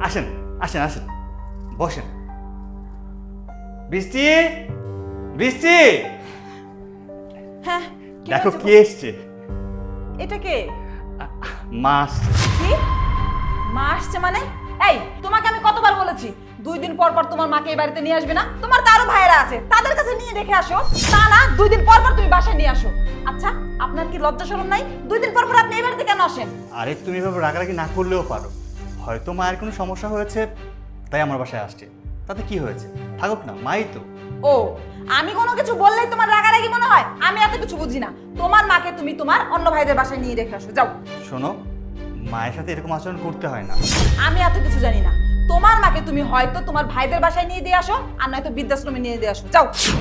আসেন আসেন আসেন, বসেন। বৃষ্টি, বৃষ্টি, হ্যাঁ দেখো কে এসছে। এটা কে? মা আসছে। কি? মা আসছে মানে? এই তোমাকে আমি কতবার বলেছি 2 দিন পর পর তোমার মাকে এই বাড়িতে নিয়ে আসবে না? তোমার তো আরো ভাইয়েরা আছে, তাদের কাছে নিয়ে রেখে আসো। তা না 2 দিন পর পর তুমি বাসায় নিয়ে আসো। আচ্ছা আপনার কি লজ্জা শরম নাই? 2 দিন পর পর আপনি এই বাড়িতে কেন আসেন? আরে তুমি এভাবে রাগারাগি না করলেও পারো, হয়তো মায়ের কোনো সমস্যা হয়েছে তাই আমার বাসায় আসছে, তাতে কি হয়েছে, থাকুক না, মাই তো। ও, আমি কোনো কিছু বললেই তোমার রাগারাগি মনে হয়? আমি এত কিছু বুঝি না। তোমার মাকে তুমি তোমার অন্য ভাইদের বাসায় নিয়ে রেখে আসো, যাও। শোনো, মায়ের সাথে এরকম আচরণ করতে হয় না। আমি এত কিছু জানি না। তোমার মাকে তুমি হয়তো তোমার ভাইদের বাসায় নিয়ে দিয়ে আসো, আর নয়তো বৃদ্ধাশ্রমে নিয়ে দিয়ে আসো, যাও।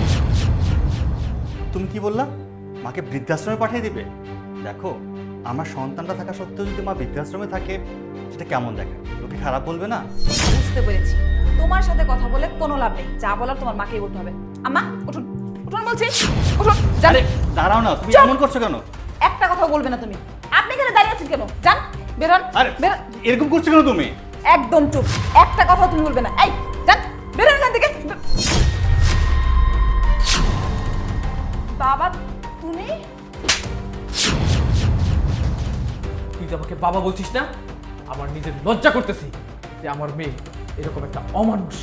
তুমি কি বললা, মাকে বৃদ্ধাশ্রমে পাঠিয়ে দিবে? দেখো, আমার সন্তানটা থাকা সত্ত্বেও যদি মা বৃদ্ধাশ্রমে থাকে, সেটা কেমন দেখে, লোকে খারাপ বলবে না? বুঝতে পেরেছি, তোমার সাথে কথা বলে কোনো লাভ নেই, যা বলার তোমার মাকেই বলতে হবে। আম্মা উঠুন, উঠুন বলছি, উঠুন, যান। আরে দাঁড়াও না, তুমি চুপ! এমন করছো কেন? একটা কথা বলবে না তুমি। আপনি এখানে দাঁড়িয়ে আছেন কেন? যান, বের হন, আরে বের হন। এরকম করছো কেন তুমি? একদম চুপ, একটা কথা তুমি বলবে না। এই যান, বের হন এখান থেকে। বাবা তুমি? তুই যে আমাকে বাবা বলছিস না, আমার নিজের লজ্জা করতেছি যে আমার মেয়ে এরকম একটা অমানুষ।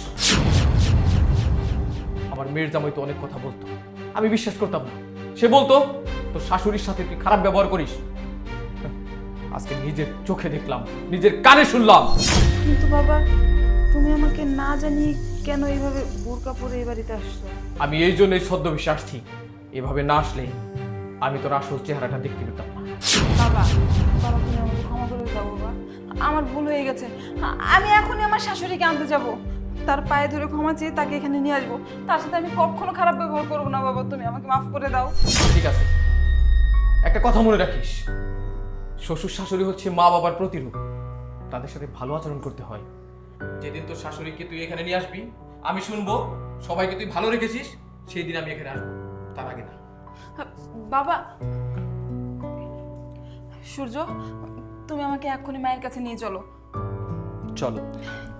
আমার মেয়ের জামাই তো অনেক কথা বলতো, আমি বিশ্বাস করতাম না। সে বলতো তোর শাশুড়ির সাথে তুই খারাপ ব্যবহার করিস। আজকে নিজের চোখে দেখলাম, নিজের কানে শুনলাম। কিন্তু বাবা তুমি আমাকে না জানিয়ে কেন এইভাবে বোরকা পরে এই বাড়িতে আসছো? আমি এই জন্যই ছদ্মবেশে আসছি, এভাবে না আসলে আমি তোর আসল চেহারাটা দেখতে পেতাম না। বাবা, বাবা তুমি আমাকে ক্ষমা করে দাও বাবা, আমার ভুল হয়ে গেছে। আমি এখনই আমার শাশুড়িকে আনতে যাব, তার পায়ে ধরে ক্ষমা চেয়ে তাকে এখানে নিয়ে আসবো। তার সাথে আমি কখনো খারাপ ব্যবহার করবো না বাবা, তুমি আমাকে মাফ করে দাও। ঠিক আছে, একটা কথা মনে রাখিস, শ্বশুর শাশুড়ি হচ্ছে মা বাবার প্রতিরূপ, তাদের সাথে ভালো আচরণ করতে হয়। যেদিন তোর শাশুড়িকে তুই এখানে নিয়ে আসবি, আমি শুনবো সবাইকে তুই ভালো রেখেছিস, সেই দিন আমি এখানে আসবো, তার আগে না। বাবা, সূর্য তুমি আমাকে এক্ষুনি মায়ের কাছে নিয়ে চলো। চলো।